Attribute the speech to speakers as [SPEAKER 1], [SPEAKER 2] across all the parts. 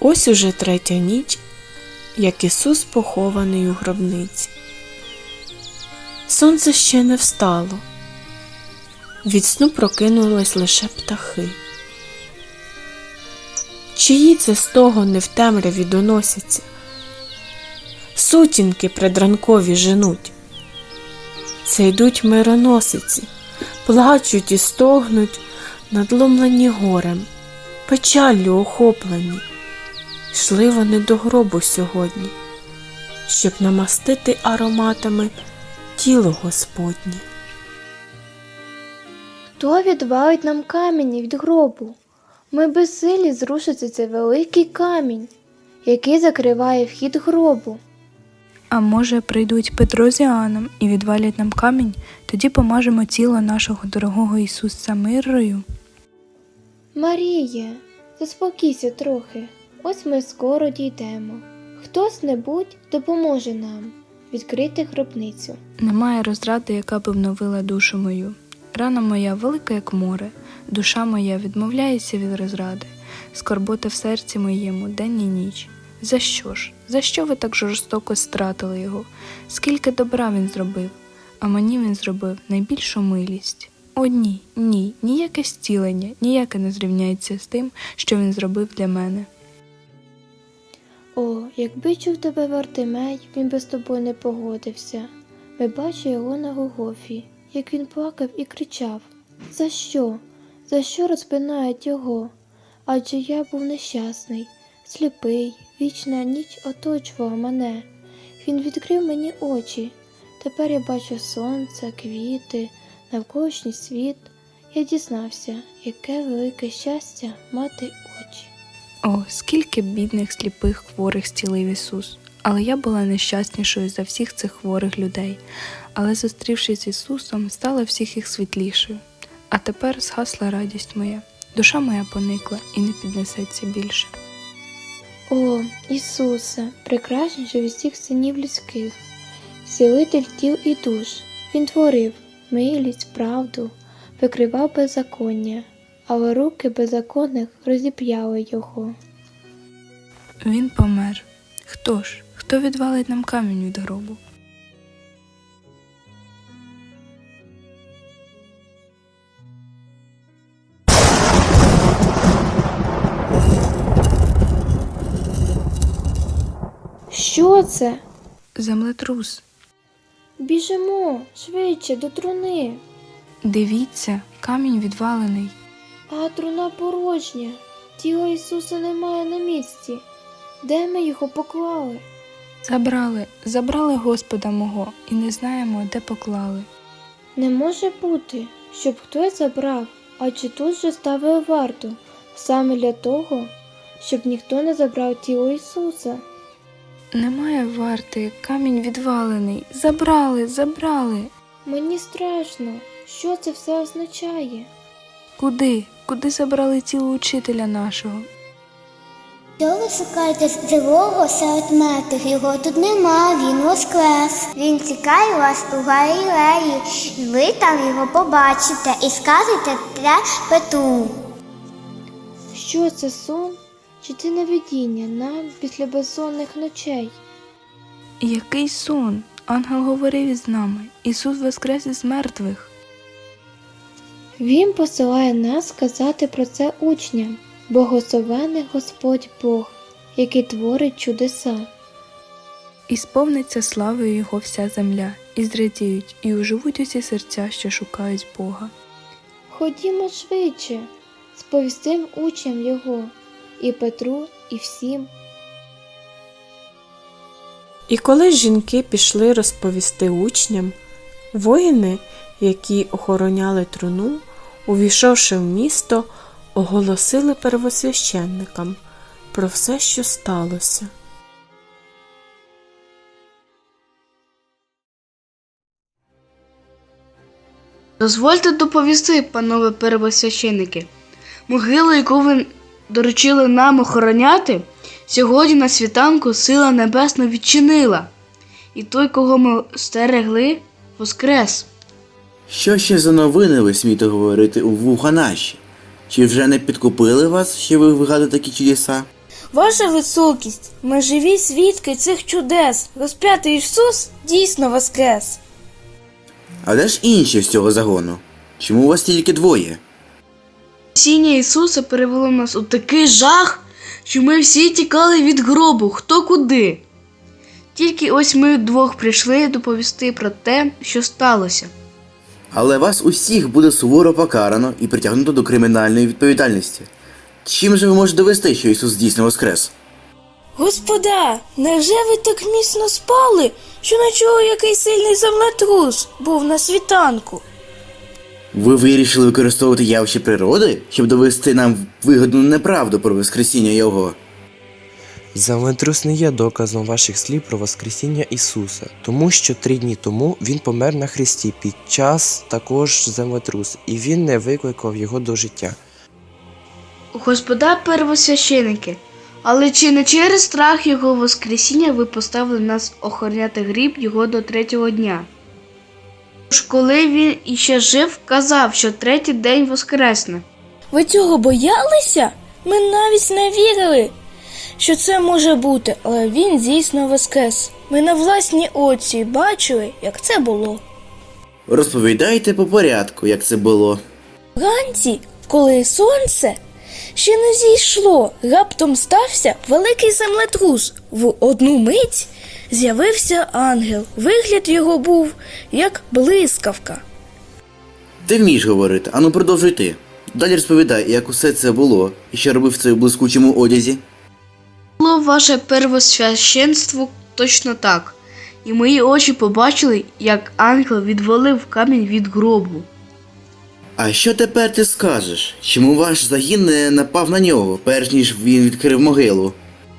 [SPEAKER 1] Ось уже третя ніч, як Ісус похований у гробниці. Сонце ще не встало. Від сну прокинулись лише птахи. Чиї це стогони в темряві доносяться? Сутінки предранкові женуть. Це йдуть мироносиці, плачуть і стогнуть, надломлені горем, печаллю охоплені. Йшли вони до гробу сьогодні, щоб намастити ароматами тіло Господнє.
[SPEAKER 2] Хто відвалить нам камінь від гробу? Ми безсилі зрушити цей великий камінь, який закриває вхід гробу.
[SPEAKER 3] А може, прийдуть Петро з Іоанном і відвалять нам камінь, тоді помажемо тіло нашого дорогого Ісуса миррою?
[SPEAKER 2] Маріє, заспокійся трохи, ось ми скоро дійдемо. Хтось-небудь допоможе нам відкрити гробницю.
[SPEAKER 3] Немає розради, яка б вновила душу мою. Рана моя велика, як море, душа моя відмовляється від розради, скорбота в серці моєму день і ніч. За що ж? За що ви так жорстоко стратили його? Скільки добра він зробив, а мені він зробив найбільшу милість. О ні, ні, ніяке зцілення, ніяке не зрівняється з тим, що він зробив для мене.
[SPEAKER 2] О, якби чув тебе Вартимей, він би з тобою не погодився. Ми бачили його на Голгофі, як він плакав і кричав: «За що? За що розпинають його? Адже я був нещасний, сліпий, вічна ніч оточувала мене. Він відкрив мені очі. Тепер я бачу сонце, квіти, навколишній світ. Я дізнався, яке велике щастя мати очі».
[SPEAKER 3] О, скільки бідних, сліпих, хворих зцілив Ісус. Але я була нещаснішою за всіх цих хворих людей. Але, зустрівшись з Ісусом, стала всіх їх світлішою. А тепер згасла радість моя. Душа моя поникла і не піднесеться більше.
[SPEAKER 2] О, Ісусе, прекрасніший від всіх синів людських, зцілитель тіл і душ. Він творив милість, правду, викривав беззаконня, але руки беззаконних розіп'яли його.
[SPEAKER 3] Він помер. Хто ж? Хто відвалить нам камінь від гробу?
[SPEAKER 2] Що це?
[SPEAKER 3] Землетрус.
[SPEAKER 2] Біжимо, швидше, до труни.
[SPEAKER 3] Дивіться, камінь відвалений.
[SPEAKER 2] А труна порожня. Тіла Ісуса немає на місці. Де ми його поклали?
[SPEAKER 3] Забрали Господа мого, і не знаємо, де поклали.
[SPEAKER 2] Не може бути, щоб хтось забрав, адже тут же ставили варту, саме для того, щоб ніхто не забрав тіло Ісуса.
[SPEAKER 3] Немає варти, камінь відвалений. Забрали.
[SPEAKER 2] Мені страшно. Що це все означає?
[SPEAKER 3] Куди? Куди забрали тіло учителя нашого?
[SPEAKER 4] Що ви шукаєте живого серед мертвих? Його тут нема, він воскрес. Він чекає вас у Галілеї, і ви там його побачите і скажете те Петру.
[SPEAKER 2] Що це, сон? Чи це навидіння нам після безсонних ночей?
[SPEAKER 3] Який сон? Ангел говорив із нами. Ісус воскрес із мертвих.
[SPEAKER 2] Він посилає нас сказати про це учням. Благословений Господь Бог, який творить чудеса.
[SPEAKER 3] І сповниться славою Його вся земля, і зрадіють, і оживуть усі серця, що шукають Бога.
[SPEAKER 2] Ходімо швидше, сповістим учням Його, і Петру, і всім.
[SPEAKER 1] І коли жінки пішли розповісти учням, воїни, які охороняли труну, увійшовши в місто, оголосили первосвященникам про все, що сталося.
[SPEAKER 5] Дозвольте доповісти, панове первосвященники. Могилу, яку ви доручили нам охороняти, сьогодні на світанку сила небесна відчинила. І той, кого ми стерегли, воскрес.
[SPEAKER 6] Що ще за новини ви смієте говорити у вуха наші? Чи вже не підкупили вас, що ви вигадуєте такі чудеса?
[SPEAKER 7] Ваша високість, ми живі свідки цих чудес. Розп'ятий Ісус дійсно воскрес.
[SPEAKER 6] А де ж інші з цього загону? Чому у вас тільки двоє?
[SPEAKER 5] Воскресіння Ісуса перевело нас у такий жах, що ми всі тікали від гробу, хто куди. Тільки ось ми вдвох прийшли доповісти про те, що сталося.
[SPEAKER 6] Але вас усіх буде суворо покарано і притягнуто до кримінальної відповідальності. Чим же ви можете довести, що Ісус дійсно воскрес?
[SPEAKER 7] Господа, невже ви так міцно спали, що не чули, який сильний землетрус був на світанку?
[SPEAKER 6] Ви вирішили використовувати явище природи, щоб довести нам вигодну неправду про воскресіння Його?
[SPEAKER 8] Землетрус не є доказом ваших слів про воскресіння Ісуса, тому що 3 дні тому Він помер на хресті під час також землетрусу, і Він не викликав його до життя.
[SPEAKER 5] Господа первосвященики, але чи не через страх Його воскресіння ви поставили нас охороняти гріб Його до 3-го дня? Тож коли Він іще жив, казав, що 3-й день воскресне.
[SPEAKER 7] Ви цього боялися? Ми навіть не вірили, що це може бути, але він дійсно воскрес. Ми на власні очі бачили, як це було.
[SPEAKER 6] Розповідайте по порядку, як це було.
[SPEAKER 7] Вранці, коли сонце ще не зійшло, раптом стався великий землетрус. В одну мить з'явився ангел. Вигляд його був, як блискавка.
[SPEAKER 6] Ти вмієш говорити, ану продовжуй ти. Далі розповідай, як усе це було, і що робив в цьому блискучому одязі.
[SPEAKER 5] Було ваше первосвященство точно так, і мої очі побачили, як ангел відвалив камінь від гробу.
[SPEAKER 6] А що тепер ти скажеш? Чому ваш загін не напав на нього, перш ніж він відкрив могилу?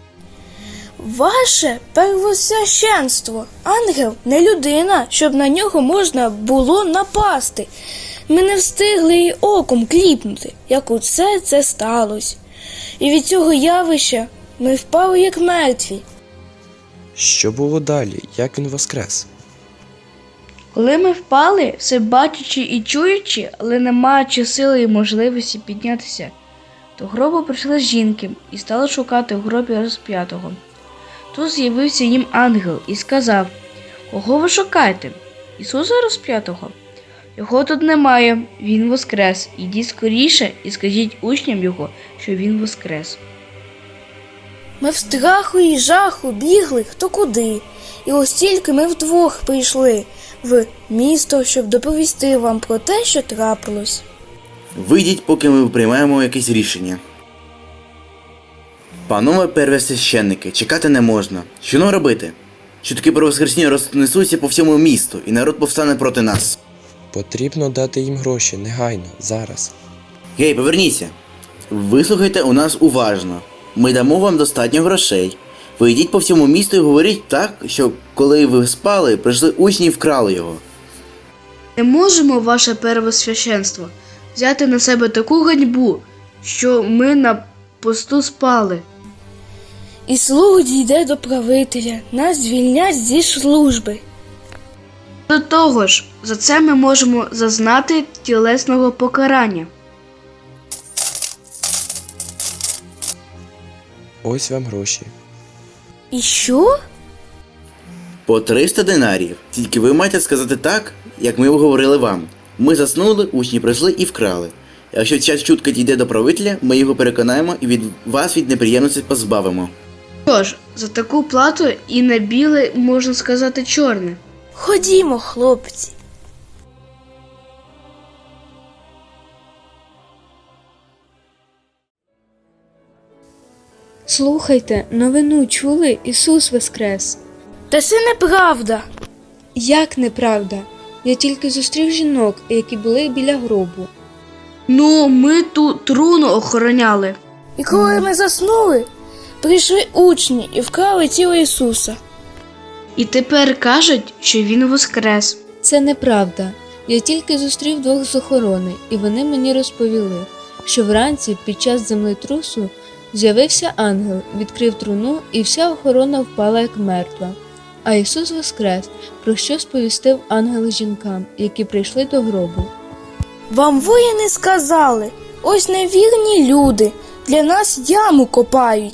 [SPEAKER 7] Ваше первосвященство, ангел не людина, щоб на нього можна було напасти. Ми не встигли й оком кліпнути, як усе це сталося. І від цього явища ми впали як мертві.
[SPEAKER 8] Що було далі? Як Він воскрес?
[SPEAKER 5] Коли ми впали, все бачачи і чуючи, але не маючи сили і можливості піднятися, до гробу прийшли жінки і стали шукати у гробі розп'ятого. Тут з'явився їм ангел і сказав: «Кого ви шукаєте? Ісуса розп'ятого? Його тут немає, Він воскрес. Ідіть скоріше і скажіть учням Його, що Він воскрес».
[SPEAKER 7] Ми в страху і жаху бігли хто куди. І ось тільки ми вдвох прийшли в місто, щоб доповісти вам про те, що трапилось.
[SPEAKER 6] Вийдіть, поки ми приймаємо якесь рішення. Панове первосвященники, чекати не можна. Що нам робити? Чутки про воскресіння рознесуться по всьому місту, і народ повстане проти нас.
[SPEAKER 8] Потрібно дати їм гроші, негайно, зараз.
[SPEAKER 6] Гей, поверніться. Вислухайте у нас уважно. Ми дамо вам достатньо грошей. Ви йдіть по всьому місту і говоріть так, що коли ви спали, прийшли учні і вкрали його.
[SPEAKER 5] Не можемо, ваше первосвященство, взяти на себе таку ганьбу, що ми на посту спали.
[SPEAKER 7] І слух дійде до правителя, нас звільнять зі служби.
[SPEAKER 5] До того ж, за це ми можемо зазнати тілесного покарання.
[SPEAKER 8] Ось вам гроші.
[SPEAKER 7] І що?
[SPEAKER 6] По 300 динарів. Тільки ви маєте сказати так, як ми говорили вам. Ми заснули, учні прийшли і вкрали. Якщо ця чутка дійде до правителя, ми його переконаємо і від вас від неприємності позбавимо.
[SPEAKER 5] Що ж, за таку плату і на біле, можна сказати, чорне.
[SPEAKER 7] Ходімо, хлопці.
[SPEAKER 3] Слухайте, новину чули? Ісус воскрес.
[SPEAKER 7] Та це неправда.
[SPEAKER 3] Як неправда? Я тільки зустрів жінок, які були біля гробу.
[SPEAKER 5] Ну, ми тут труну охороняли.
[SPEAKER 7] І коли ми заснули, прийшли учні і вкрали тіло Ісуса.
[SPEAKER 5] І тепер кажуть, що Він воскрес.
[SPEAKER 3] Це неправда. Я тільки зустрів 2 з охорони, і вони мені розповіли, що вранці під час землетрусу з'явився ангел, відкрив труну, і вся охорона впала як мертва. А Ісус воскрес, про що сповістив ангел жінкам, які прийшли до гробу.
[SPEAKER 7] Вам воїни сказали, ось невірні люди, для нас яму копають,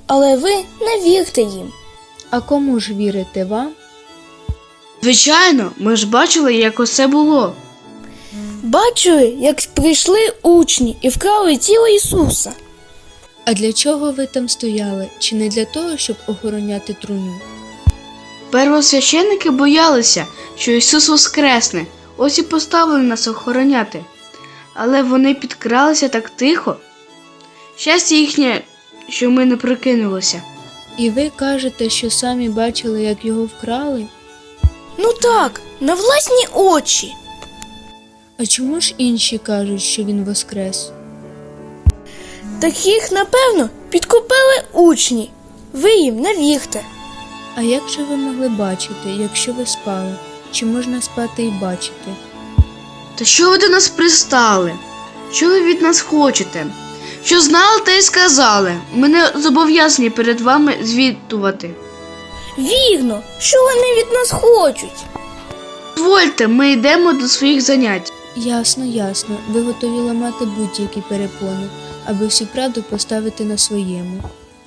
[SPEAKER 7] але ви не вірте їм.
[SPEAKER 3] А кому ж вірите вам?
[SPEAKER 5] Звичайно, ми ж бачили, як усе було.
[SPEAKER 7] Бачили, як прийшли учні і вкрали тіло Ісуса.
[SPEAKER 3] А для чого ви там стояли? Чи не для того, щоб охороняти труну?
[SPEAKER 5] Первосвященники боялися, що Ісус воскресне, ось і поставили нас охороняти. Але вони підкралися так тихо. Щастя їхнє, що ми не прокинулися.
[SPEAKER 3] І ви кажете, що самі бачили, як його вкрали?
[SPEAKER 7] Ну так, на власні очі.
[SPEAKER 3] А чому ж інші кажуть, що він воскрес?
[SPEAKER 7] Таких, напевно, підкупили учні. Ви їм не вірте.
[SPEAKER 3] А як же ви могли бачити, якщо ви спали? Чи можна спати і бачити?
[SPEAKER 5] Та що ви до нас пристали? Що ви від нас хочете? Що знали, те й сказали. Ми не зобов'язані перед вами звітувати.
[SPEAKER 7] Вірно, що вони від нас хочуть.
[SPEAKER 5] Дозвольте, ми йдемо до своїх занять.
[SPEAKER 3] Ясно, ясно. Ви готові ламати будь-які перепони, аби всю правду поставити на своєму.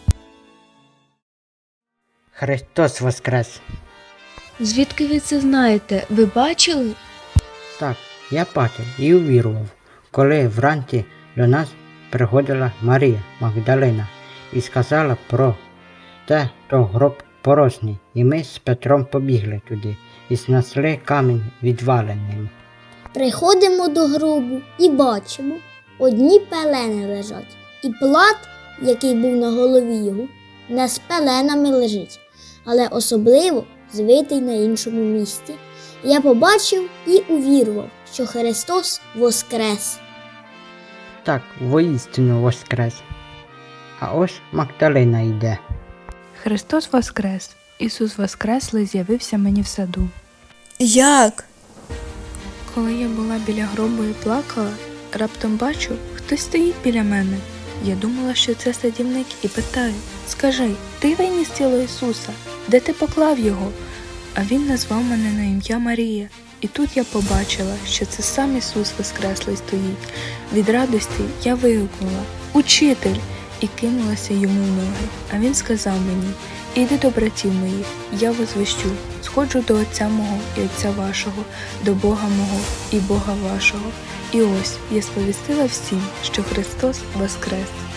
[SPEAKER 9] Христос воскрес!
[SPEAKER 3] Звідки ви це знаєте? Ви бачили?
[SPEAKER 9] Так, я бачив і увірував, коли вранці до нас приходила Марія Магдалина і сказала про те, що гроб порожній, і ми з Петром побігли туди і знесли камінь відваленим.
[SPEAKER 4] Приходимо до гробу і бачимо, одні пелени лежать, і плат, який був на голові його, не з пеленами лежить, але особливо звитий на іншому місці. Я побачив і увірував, що Христос воскрес.
[SPEAKER 9] Так, воістину воскрес. А ось Магдалина йде.
[SPEAKER 3] Христос воскрес. Ісус воскреслий з'явився мені в саду.
[SPEAKER 7] Як?
[SPEAKER 3] Коли я була біля гробу і плакала, раптом бачу, хтось стоїть біля мене. Я думала, що це садівник, і питаю: скажи, ти виніс тіло Ісуса? Де ти поклав його? А він назвав мене на ім'я Марія. І тут я побачила, що це сам Ісус Воскреслий стоїть. Від радості я вигукнула: «Учитель!» і кинулася йому в ноги. А він сказав мені: «Іди до братів моїх, я возвещу, сходжу до Отця мого і Отця вашого, до Бога мого і Бога вашого». І ось я сповістила всім, що Христос воскрес.